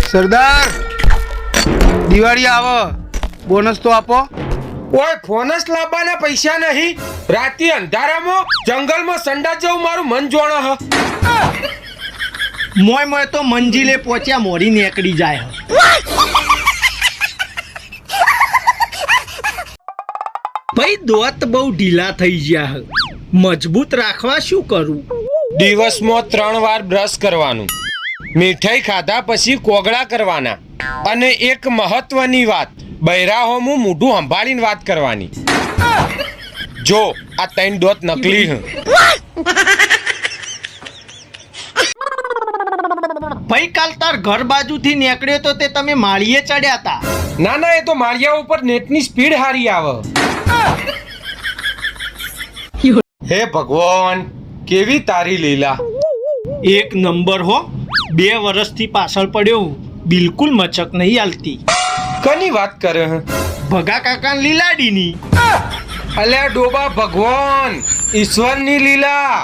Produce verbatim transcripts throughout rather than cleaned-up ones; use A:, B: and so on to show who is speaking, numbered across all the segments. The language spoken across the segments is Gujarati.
A: સરદાર દિવાળી આવો, બોનસ તો આપો.
B: ઓય ફોનસ લાવવાના પૈસા નહીં. રાતે અંધારામાં જંગલમાં સંડા જવું મારું મન જોણ હ.
C: મોય મોય તો મંજિલે પહોંચ્યા મોડી નીકળી જાય. ભાઈ દોત બહુ ઢીલા થઈ ગયા. મજબૂત રાખવા શું કરું?
B: દિવસમાં ત્રણ વાર બ્રશ કરવાનું, મીઠાઈ ખાધા પછી કોગળા કરવાના, અને એક મહત્વની વાત, બૈરાહોમું મોઢું સંભાળીને વાત કરવાની. જો આ ત્રણ દોત નકલી હ.
C: ભાઈ કાલ તાર ઘર બાજુથી નીકળ્યો તો તે તમે માળીએ ચડ્યા હતા.
B: ના ના, એ તો માળિયા ઉપર નેટની સ્પીડ હારી આવે. હે ભગવાન, કેવી તારી લીલા.
C: એક નંબર હો. બે વર્ષથી પાછળ પડ્યો, બિલકુલ મચક નહીં આલતી.
B: કની વાત કરે હ?
C: ભગા કાકા લીલાડીની.
B: અલ્યા ડોબા ભગવાન, ઈશ્વરની લીલા.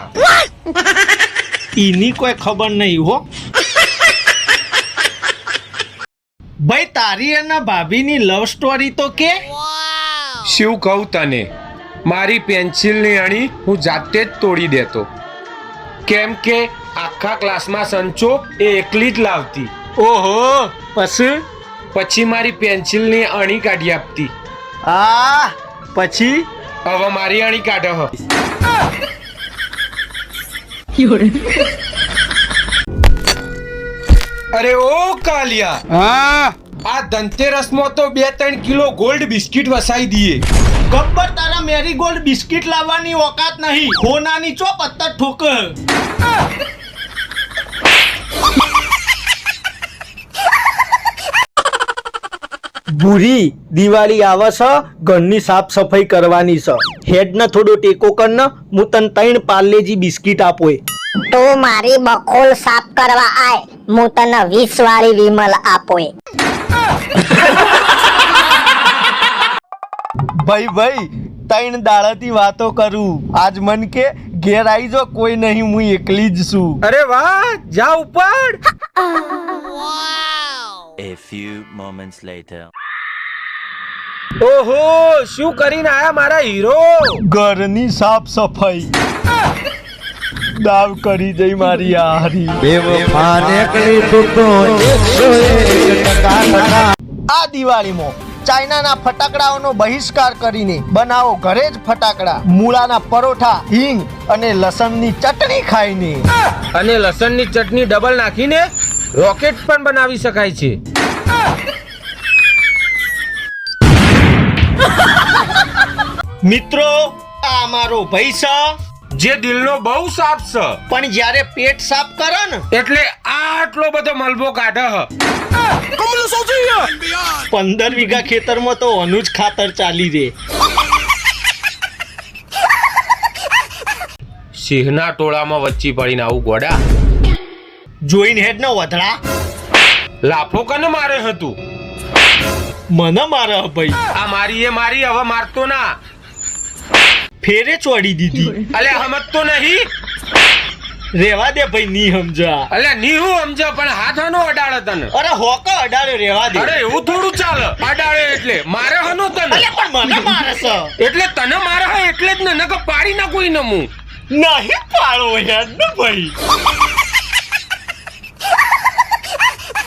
C: એની કોઈ ખબર નહીં હો. ભાઈ તારી અને ભાભીની લવ સ્ટોરી તો કે.
B: શું કહું તને, મારી પેન્સિલની અણી હું જાતે જ તોડી દેતો, કેમ કે આખા ક્લાસમાં સંચો એ એકલી જ લાવતી.
C: ઓહો, પછી
B: પછી મારી પેન્સિલની અણી કાઢી આપતી.
C: આ પછી
B: હવે મારી અણી કાઢો હ. અરે ઓ કાલિયા,
A: હા
B: આ ધનતેરસમાં તો બે ત્રણ કિલો ગોલ્ડ બિસ્કિટ વસાઈ દઈએ.
C: ગબ્બર તારા મેરીગોલ્ડ બિસ્કિટ લાવવાની ઓકાત નહીં. હોનાની ચો પત્તર ઠોક. ભૂરી દિવાળી આવે છે, ઘરની સાફ સફાઈ કરવાની છે. હેડને થોડો ટેકો કર ને, હું તને ત્રણ પાર્લેજી બિસ્કિટ આપો.
D: તું મારી બખોલ સાફ કરવા આય, હું તને વીસ વાળી વિમલ આપો.
C: ભાઈ ભાઈ ત્રણ દાડાથી વાતો કરું, આજ મન કે ઘેર આવી જો, કોઈ નહીં, હું એકલી જ છું.
B: અરે વાહ, જા ઉપર.
E: A few moments later.
B: ઓહો, શું કરીને આયા મારા હીરો?
C: ઘરની સાફ સફાઈ દાવ કરી જઈ મારી હારી. આ દિવાળીમાં ચાઇનાના ફટાકડાઓનો બહિષ્કાર કરીને બનાવો ઘરે જ ફટાકડા. મૂળાના પરોઠા, હિંગ અને લસણની ચટણી ખાઈને.
B: અને લસણની ચટણી ડબલ નાખીને રોકેટ પણ બનાવી શકાય છે.
C: મિત્રો, આ મારો ભાઈ છે,
B: જે દિલનો બહુ સાફ છે,
C: પણ જ્યારે પેટ સાફ કરે ને
B: એટલે આટલો બધો મલબો કાઢે હ.
C: પંદર વીઘા ખેતરમાં તો અનુજ ખાતર ચાલી રે.
B: સિંહના ટોળામાં વચ્ચી પડીને આવું ગોડા.
C: જોઈને હેડ ને વધડા.
B: લાફો કને મારે હતું?
C: મને મારે ભાઈ.
B: આ મારી એ મારી, હવે મારતો ના.
C: ફેરે ચોડી દીધી.
B: અલે હમત તો નહીં.
C: રેવા દે ભાઈ, ની સમજા.
B: અલે ની હું સમજ, પણ હાથ હનો અડાડે તને.
C: અરે હોકો અડાડે, રેવા દે.
B: અરે એવું થોડું ચાલે. અડાડે એટલે મારે હનો તને.
C: અલે પણ મને મારે છે.
B: એટલે તને મારે હે એટલે જ ને, નકર પાડી ના કોઈ નમું.
C: નહીં પાડો યાર ને ભાઈ.